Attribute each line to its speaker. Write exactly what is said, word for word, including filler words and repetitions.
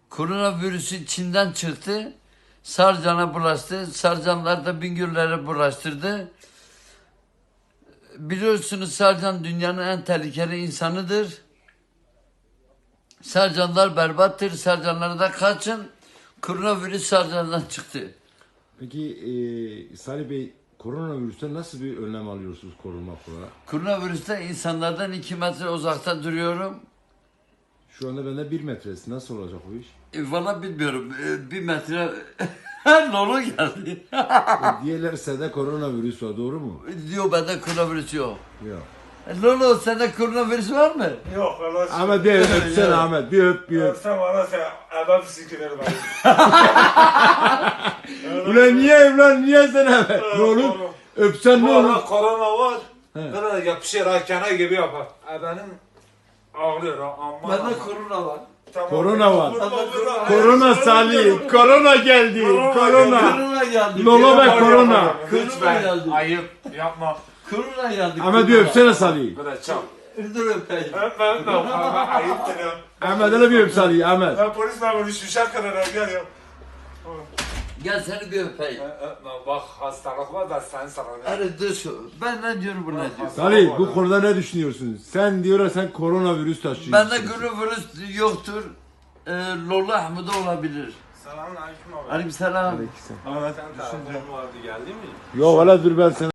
Speaker 1: Koronavirüsü Çin'den çıktı. Sarcan'a bulaştı. Sarcanlar da Bingöl'lere bulaştırdı. Biliyorsunuz Sarcan dünyanın en tehlikeli insanıdır. Sarcanlar berbattır. Sarcanlara da kaçın. Koronavirüs Sarcan'dan çıktı.
Speaker 2: Peki e, Salih Bey, koronavirüsten nasıl bir önlem alıyorsunuz korunmak olarak?
Speaker 1: Koronavirüste insanlardan iki metre uzakta duruyorum.
Speaker 2: Şu anda bende bir metresi. Nasıl olacak bu iş?
Speaker 1: E, valla bilmiyorum. E, bir metre Lolo geldi.
Speaker 2: E, diğerlerse de koronavirüs var, doğru mu?
Speaker 1: Diyor bende koronavirüs yok.
Speaker 2: Yok.
Speaker 1: E, Lolo sende koronavirüs var mı?
Speaker 3: Yok valla.
Speaker 2: Ahmet bir öp, öpsene Ahmet. Bir öp, bir öp.
Speaker 3: Sen bana sen adam sikilir bana.
Speaker 2: Ulan niye evlen, niye sen Ahmet? Ne olur? Öpsen ne
Speaker 3: Bu
Speaker 2: olur?
Speaker 3: arada korona var.
Speaker 2: He.
Speaker 3: Böyle yapışır hakene gibi yapar. E benim ağrıyor ha amma.
Speaker 1: Bende
Speaker 3: amma.
Speaker 1: korona var.
Speaker 3: Tamam.
Speaker 2: Korona var.
Speaker 3: Vurma, vurma.
Speaker 2: Korona Salih, korona geldi, korona.
Speaker 1: Korona geldi.
Speaker 2: Lolo ve
Speaker 3: Yapma,
Speaker 2: korona.
Speaker 3: yapma.
Speaker 1: Korona
Speaker 3: Lütfen.
Speaker 1: geldi.
Speaker 3: Ayıp. Yapma.
Speaker 1: Korona geldi.
Speaker 2: Ahmet bir öpsene Salih.
Speaker 3: Böyle çap.
Speaker 1: Dur öpeyim.
Speaker 3: Öpme öpme. Ama ayıptır ya.
Speaker 2: Ahmet hele bir öp Salih, Ahmet.
Speaker 3: Ben polis memuru şişer kadar gel ya.
Speaker 1: Gel seni bir öpeyim.
Speaker 3: Öpme bak hastalık var da sen sana.
Speaker 1: Hadi dur şu. Ben ne diyorum bu ne diyor?
Speaker 2: Salih, bu konuda ne düşünüyorsun? Sen diyorlar sen koronavirüs taşıyorsun.
Speaker 1: Bende koronavirüs yoktur. E, Lolo Ahmet'e olabilir.
Speaker 3: Selamun aleyküm abi.
Speaker 1: Aleykümselam.
Speaker 3: Ahmet sen telefonun vardı geldi mi?
Speaker 2: Yok valla dur ben sana.